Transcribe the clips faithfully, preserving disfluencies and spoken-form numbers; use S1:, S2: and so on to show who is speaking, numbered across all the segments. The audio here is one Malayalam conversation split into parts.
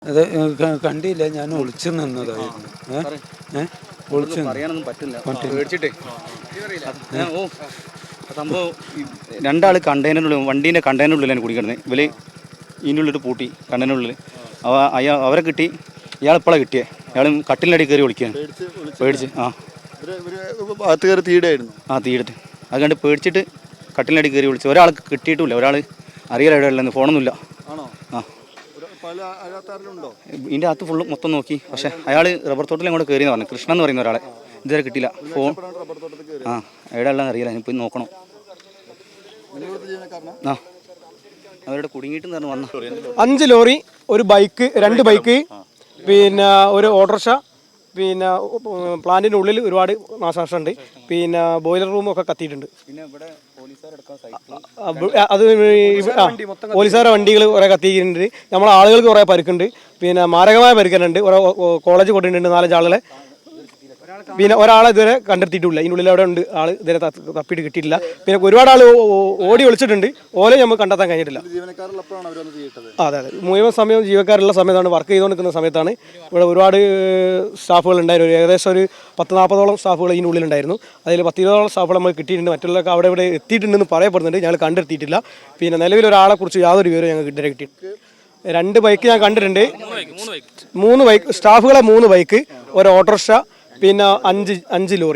S1: അത് കണ്ടില്ല, ഞാൻ ഒളിച്ചു നിന്നതായിരുന്നു. ഏഹ് ഒളിച്ചു
S2: പറയാനൊന്നും പറ്റില്ല, പേടിച്ചിട്ടേ. ഓ സംഭവം രണ്ടാൾ കണ്ടെയ്നറിനുള്ളിൽ, വണ്ടീൻ്റെ കണ്ടെയ്നറിനുള്ളിലാണ് കുടിക്കിടന്നത്. ഇവർ ഇതിൻ്റെ ഉള്ളിട്ട് പൂട്ടി കണ്ടെയ്നറിനുള്ളിൽ. അവ അയാൾ അവരെ കിട്ടി. ഇയാൾ ഇപ്പോഴാണ് കിട്ടിയത്. ഇയാൾ കട്ടിലിനടി കയറി വിളിക്കുകയാണ്, പേടിച്ച്. ആ
S3: ഭാഗത്ത് കയറി തീയിടായിരുന്നു.
S2: ആ തീയിടട്ട് അത് കണ്ട് പേടിച്ചിട്ട് കട്ടിലിനടി കയറി വിളിച്ചു. ഒരാൾക്ക് കിട്ടിയിട്ടില്ല, ഒരാൾ അറിയില്ല എവിടെ ഉള്ളതെന്ന്, ഫോണൊന്നുമില്ല. ആ ഇതിൻ്റെ അകത്ത് ഫുള്ള് മൊത്തം നോക്കി, പക്ഷേ അയാൾ റബ്ബർ തോട്ടത്തിൽ അങ്ങോട്ട് കയറിയെന്ന് പറഞ്ഞു. കൃഷ്ണൻ എന്ന് പറയുന്ന ഒരാളെ ഇതുവരെ കിട്ടിയില്ല. ഫോൺ ആ എവിടെ ഉള്ളതെന്ന് അറിയില്ല, ഞാൻ പോയി നോക്കണം. ആ അവരുടെ കുടുങ്ങിയിട്ട് വന്ന
S4: അഞ്ച് ലോറി, ഒരു ബൈക്ക്, രണ്ട് ബൈക്ക്, പിന്നെ ഒരു ഓട്ടോറിക്ഷ, പിന്നെ പ്ലാന്റിൻ്റെ ഉള്ളിൽ ഒരുപാട് നാശനഷ്ടമുണ്ട്. പിന്നെ ബോയിലർ റൂമൊക്കെ കത്തിയിട്ടുണ്ട്. അത് പോലീസുകാരുടെ വണ്ടികൾ കുറേ കത്തിയിട്ടുണ്ട്. നമ്മളെ ആളുകൾക്ക് കുറേ പരുക്കുണ്ട്. പിന്നെ മാരകമായ പരുക്കുന്നുണ്ട്. കുറേ കോളേജ് കൊണ്ടിട്ടുണ്ട് നാലഞ്ച് ആളുകളെ. പിന്നെ ഒരാളെ ഇതുവരെ കണ്ടെത്തിയിട്ടില്ല. ഇതിനുള്ളിൽ അവിടെ ഉണ്ട് ആൾ, ഇതുവരെ തപ്പിയിട്ട് കിട്ടിയിട്ടില്ല. പിന്നെ ഒരുപാട് ആൾ ഓടി ഒളിച്ചിട്ടുണ്ട്. ഓലെ നമുക്ക് കണ്ടെത്താൻ കഴിഞ്ഞിട്ടില്ല. അതെ അതെ മുഴുവൻ സമയം ജീവനക്കാരുള്ള സമയത്താണ്, വർക്ക് ചെയ്തുകൊണ്ടിരിക്കുന്ന സമയത്താണ്. ഇവിടെ ഒരുപാട് സ്റ്റാഫുകൾ ഉണ്ടായിരുന്നു. ഏകദേശം ഒരു പത്ത് നാൽപ്പതോളം സ്റ്റാഫുകൾ ഇതിനുള്ളിലുണ്ടായിരുന്നു. അതിൽ പത്ത് ഇരുപതോളം സ്റ്റാഫുകൾ നമ്മൾ കിട്ടിയിട്ടുണ്ട്. മറ്റുള്ളവർക്ക് അവിടെ ഇവിടെ എത്തിയിട്ടുണ്ടെന്ന് പറയപ്പെടുന്നുണ്ട്. ഞങ്ങൾ കണ്ടെത്തിയിട്ടില്ല. പിന്നെ നിലവിൽ ഒരാളെ കുറിച്ച് യാതൊരു വിവരവും ഞങ്ങൾക്ക് ഇതുവരെ കിട്ടിയിട്ടുണ്ട്. രണ്ട് ബൈക്ക് ഞാൻ കണ്ടിട്ടുണ്ട്. മൂന്ന് ബൈക്ക് സ്റ്റാഫുകളെ, മൂന്ന് ബൈക്ക്, ഒരു ഓട്ടോറിക്ഷ, പിന്നെ അഞ്ച് അഞ്ച് ലോറി.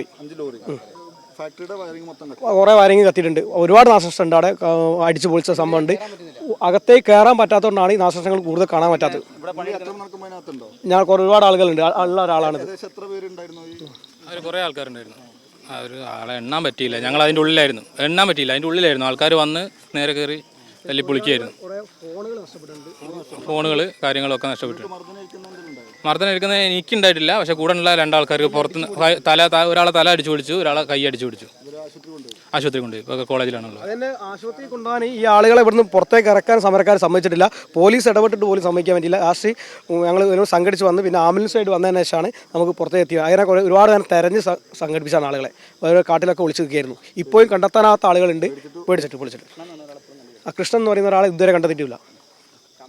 S4: കുറേ വയറിങ് കത്തിയിട്ടുണ്ട്. ഒരുപാട് നാശനഷ്ടമുണ്ട്. അവിടെ അടിച്ചു പൊളിച്ച സംഭവമുണ്ട്. അകത്തേക്ക് കയറാൻ പറ്റാത്തതുകൊണ്ടാണ് ഈ നാശനഷ്ടങ്ങൾ കൂടുതൽ കാണാൻ പറ്റാത്തത്. ഞാൻ ഒരുപാട് ആളുകളുണ്ട്, ഉള്ള ഒരാളാണിത്.
S5: അവർ കുറേ ആൾക്കാരുണ്ടായിരുന്നു. അവർ ആളെ എണ്ണാൻ പറ്റിയില്ല. ഞങ്ങൾ അതിൻ്റെ ഉള്ളിലായിരുന്നു, എണ്ണാൻ പറ്റിയില്ല. അതിൻ്റെ ഉള്ളിലായിരുന്നു. ആൾക്കാർ വന്ന് നേരെ കയറി തല്ലി പൊളിക്കായിരുന്നു. ഫോണുകൾ കാര്യങ്ങളൊക്കെ നഷ്ടപ്പെട്ടു. മർദ്ദനം എടുക്കുന്നത് എനിക്കുണ്ടായിട്ടില്ല, പക്ഷെ കൂടെ ഉള്ള രണ്ടാൾക്കാർക്ക് പുറത്തുനിന്ന് തല ഒരാളെ തല അടിച്ചു പിടിച്ചു, ഒരാളെ കൈ അടിച്ചു പിടിച്ചു. ആശുപത്രി കൊണ്ട് ഇപ്പോൾ കോളേജിലാണുള്ളത്.
S4: അതിൻ്റെ ആശുപത്രി കൊണ്ടുപോകാൻ ഈ ആളുകളെ ഇവിടുന്ന് പുറത്തേക്ക് ഇറക്കാൻ സമരക്കാർ സമ്മതിച്ചിട്ടില്ല. പോലീസ് ഇടപെട്ടിട്ട് പോലും സമ്മതിക്കാൻ പറ്റില്ല. ലാസ്റ്റ് ഞങ്ങൾ ഇതിനോട് സംഘടിച്ച് വന്ന് പിന്നെ ആംബുലൻസായിട്ട് വന്നതിന് ശേഷമാണ് നമുക്ക് പുറത്തേക്ക് എത്തിയത്. അതിനെ കുറേ ഒരുപാട് നേരം തെരഞ്ഞ് സംഘടിപ്പിച്ചാണ് ആളുകളെ. ഓരോ കാട്ടിലൊക്കെ ഒളിച്ച് നിൽക്കുകയായിരുന്നു. ഇപ്പോഴും കണ്ടെത്താനാത്ത ആളുകളുണ്ട്, പേടിച്ചിട്ട് പൊളിച്ചിട്ട്. ആ കൃഷ്ണൻ എന്ന് പറയുന്ന ഒരാളെ ഇതുവരെ കണ്ടെത്തിയിട്ടില്ല.